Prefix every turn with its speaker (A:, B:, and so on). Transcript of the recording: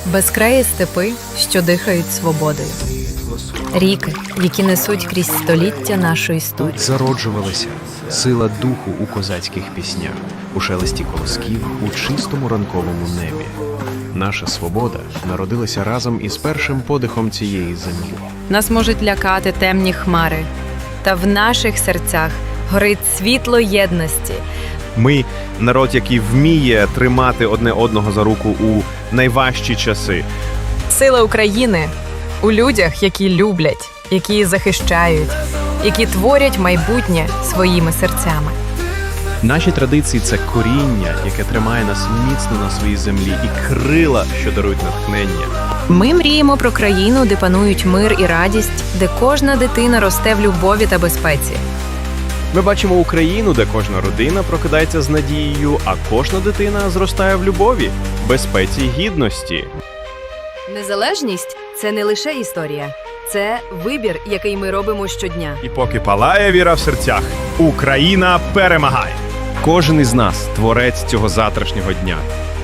A: Безкраї степи, що дихають свободою. Ріки, які несуть крізь століття нашу історію.
B: Тут зароджувалася сила духу у козацьких піснях, у шелесті колосків, у чистому ранковому небі. Наша свобода народилася разом із першим подихом цієї землі.
A: Нас можуть лякати темні хмари, та в наших серцях горить світло єдності.
C: Ми – народ, який вміє тримати одне одного за руку у найважчі часи.
A: Сила України у людях, які люблять, які захищають, які творять майбутнє своїми серцями.
B: Наші традиції – це коріння, яке тримає нас міцно на своїй землі, і крила, що дарують натхнення.
A: Ми мріємо про країну, де панують мир і радість, де кожна дитина росте в любові та безпеці.
C: Ми бачимо Україну, де кожна родина прокидається з надією, а кожна дитина зростає в любові, безпеці й гідності.
A: Незалежність – це не лише історія. Це вибір, який ми робимо щодня.
C: І поки палає віра в серцях, Україна перемагає! Кожен із нас – творець цього завтрашнього дня.